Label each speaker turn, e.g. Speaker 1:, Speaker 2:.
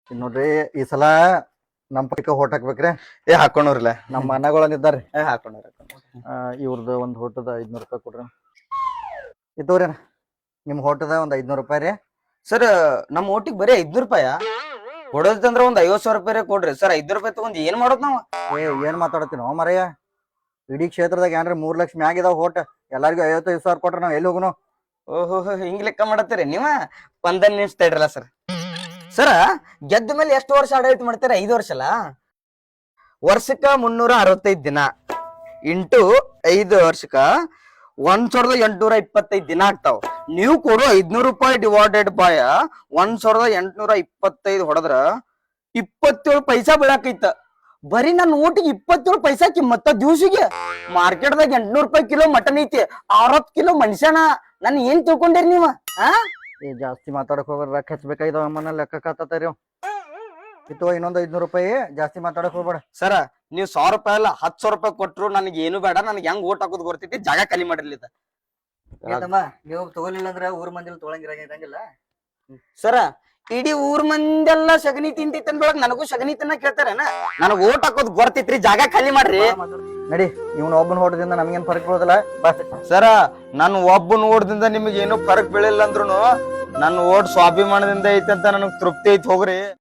Speaker 1: ಇನ್ ನೋಡ್ರಿ ಈ ಸಲ ನಮ್ ಪೈಕ ಹೋಟ್ ಹಾಕ್ಬೇಕ್ರಿ.
Speaker 2: ಹಾಕೊಂಡ್ರಲ್ಲ
Speaker 1: ನಮ್ಮ ಮನೆಗಳನ್ನಿದ್ದಾರ್ರಿ.
Speaker 2: ಹಾಕೊಂಡ್ರ
Speaker 1: ಇವ್ರದ್ದು ಒಂದ್ ಹೋಟದ 500 ರೂಪಾಯಿ ಕೊಡ್ರಿ. ಇದ್ದವ್ರಿ ನಿಮ್ ಹೋಟದ ಒಂದ್ 500 ರೂಪಾಯಿ ರೀ.
Speaker 2: ಸರ್ ನಮ್ ಓಟಿಗೆ ಬರೀ 500 ರೂಪಾಯ ಕೊಡೋದಂದ್ರ ಒಂದ್ 50,000 ರೂಪಾಯಿ ಕೊಡ್ರಿ ಸರ್. 500 ರೂಪಾಯಿ ತಗೊಂಡ್ ಏನ್ ಮಾಡೋದ್ ನಾವ್?
Speaker 1: ಏನ್ ಮಾತಾಡತ್ತೀನೋ ಮರಯ್ಯ, ಇಡೀ ಕ್ಷೇತ್ರದಾಗ ಏನ್ರಿ 3 ಲಕ್ಷ ಮ್ಯಾಗ ಇದಾವ ಹೋಟ್. ಎಲ್ಲಾರ್ಗು 55,000 ಕೊಟ್ರ ನಾವ್ ಎಲ್ಲಿ ಹೋಗುನು?
Speaker 2: ಓಹೋ ಹಿಂಗ್ ಲೆಕ್ಕ ಮಾಡತ್ತೀರಿ ನೀವ? 15 ನಿಮಿಷ ತಡ್ರಲ್ಲ ಸರ್. ಸರ ಗೆದ್ದ ಮೇಲೆ ಎಷ್ಟು ವರ್ಷ ಆಡಳಿತ ಮಾಡ್ತೀರ? 5 ವರ್ಷ ಅಲ್ಲ. ವರ್ಷಕ್ಕ 365 ದಿನ ಇಂಟು 5 ವರ್ಷಕ್ಕ 1,825 ದಿನ ಆಗ್ತಾವ. ನೀವು ಕೊಡೋ 500 ರೂಪಾಯಿ ಡಿವೈಡೆಡ್ ಬಾಯ 1,825 ಹೊಡೆದ್ರ 27 ಪೈಸಾ ಬೀಳಾಕೈತ. ಬರೀ ನನ್ನ ಊಟಿಗೆ 27 ಪೈಸಾ ಕಿಮ್ಮತ್ತ. ದಿವ್ಸಿಗೆ ಮಾರ್ಕೆಟ್ದಾಗ 800 ರೂಪಾಯಿ ಕಿಲೋ ಮಟನ್ ಐತಿ, 60 ಕಿಲೋ ಮನುಷ್ಯನ. ನನ್ ಏನ್ ತಿಳ್ಕೊಂಡಿರಿ ನೀವ?
Speaker 1: ಜಾಸ್ತಿ ಮಾತಾಡಕ್ ಹೋಗ್ರ ರೊಕ್ಕ ಹಚ್ಬೇಕಾಯ್ದವ ಅಮ್ಮನ ಲೆಕ್ಕ ಕಾತಾರಿ. ಇತ್ತು ಇನ್ನೊಂದ್ 500 ರೂಪಾಯಿ. ಜಾಸ್ತಿ ಮಾತಾಡಕ್ ಹೋಗ್ಬೇಡ
Speaker 2: ಸರ. ನೀವ್ 1,000 ರೂಪಾಯಿ ಅಲ್ಲ 10,000 ರೂಪಾಯಿ ಕೊಟ್ರು ನನಗೆ ಏನು ಬೇಡ. ನನಗೆ ಹೆಂಗ್ ಓಟ್ ಹಾಕೋದ್ ಗೊತ್ತೈತಿ. ಜಾಗ ಖಾಲಿ ಮಾಡಿರ್ಲಿದ
Speaker 1: ನೀವು ತಗೊಲಿಲ್ಲ ಅಂದ್ರೆ ಊರ್ ಮಂದಿಲ್ ತೊಳಂಗಿರಂಗಿಲ್ಲ.
Speaker 2: ಸರ ಇಡೀ ಊರ್ ಮಂದೆಲ್ಲ ಸಗಣಿ ತಿಂತೈತಿ ಅಂದ್ರೊಳಗ್ ನನಗೂ ಸಗಣಿ ತಿನ್ನ ಕೇಳ್ತಾರೇನ? ನನಗ್ ಓಟ್ ಹಾಕೋದ್ ಗೊತ್ತೈತ್ರಿ. ಜಾಗ ಖಾಲಿ ಮಾಡ್ರಿ.
Speaker 1: ನಡಿ, ಇವ್ನ ಒಬ್ಬನ ಹೋಟದಿಂದ ನಮ್ಗೇನ್ ಫರಕ್ ಬೀಳೋದಿಲ್ಲ.
Speaker 2: ಸರ ನಾನು ಒಬ್ಬ ಓಟದಿಂದ ನಿಮ್ಗೆ ಏನು ಫರಕ್ ಬೀಳಿಲ್ಲ ಅಂದ್ರುನು ನನ್ನ ಓಟ್ ಸ್ವಾಭಿಮಾನದಿಂದ ಐತಿ ಅಂತ ನನಗ್ ತೃಪ್ತಿ ಐತಿ. ಹೋಗ್ರಿ.